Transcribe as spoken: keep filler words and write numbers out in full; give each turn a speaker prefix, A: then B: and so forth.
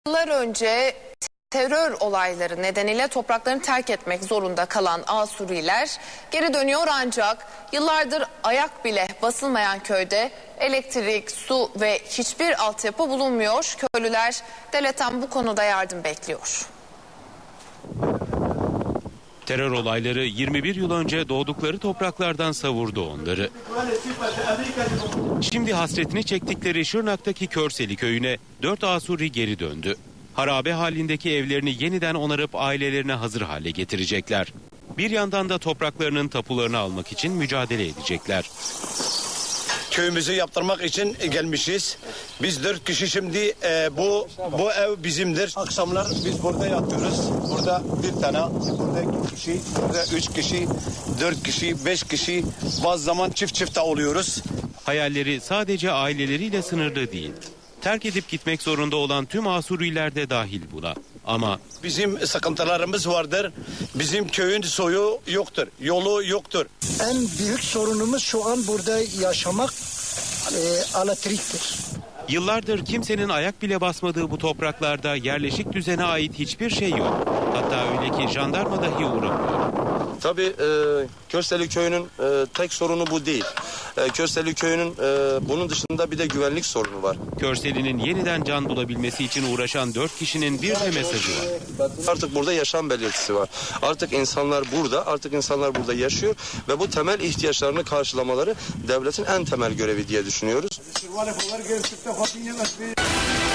A: Yıllar önce terör olayları nedeniyle topraklarını terk etmek zorunda kalan Asuriler geri dönüyor, ancak yıllardır ayak bile basılmayan köyde elektrik, su ve hiçbir altyapı bulunmuyor. Köylüler devletten bu konuda yardım bekliyor.
B: Terör olayları yirmi bir yıl önce doğdukları topraklardan savurdu onları. Şimdi hasretini çektikleri Şırnak'taki Körseli köyüne dört Asuri geri döndü. Harabe halindeki evlerini yeniden onarıp ailelerine hazır hale getirecekler. Bir yandan da topraklarının tapularını almak için mücadele edecekler.
C: Köyümüzü yaptırmak için gelmişiz. Biz dört kişi şimdi e, bu bu ev bizimdir. Akşamlar biz burada yatıyoruz. Burada bir tane, burada iki kişi, burada üç kişi, dört kişi, beş kişi. Bazı zaman çift çift de oluyoruz.
B: Hayalleri sadece aileleriyle sınırlı değil. Terk edip gitmek zorunda olan tüm Asuriler de dahil buna. Ama
C: bizim sıkıntılarımız vardır. Bizim köyün soyu yoktur, yolu yoktur.
D: En büyük sorunumuz şu an burada yaşamak e, elektriktir.
B: Yıllardır kimsenin ayak bile basmadığı bu topraklarda yerleşik düzene ait hiçbir şey yok. Hatta öyle ki jandarma dahi uğramıyor.
E: Tabii e, Körseli Köyü'nün e, tek sorunu bu değil. E, Körseli Köyü'nün e, bunun dışında bir de güvenlik sorunu var.
B: Körseli'nin yeniden can bulabilmesi için uğraşan dört kişinin bir de mesajı var.
E: Artık burada yaşam belirtisi var. Artık insanlar burada, artık insanlar burada yaşıyor ve bu temel ihtiyaçlarını karşılamaları devletin en temel görevi diye düşünüyoruz.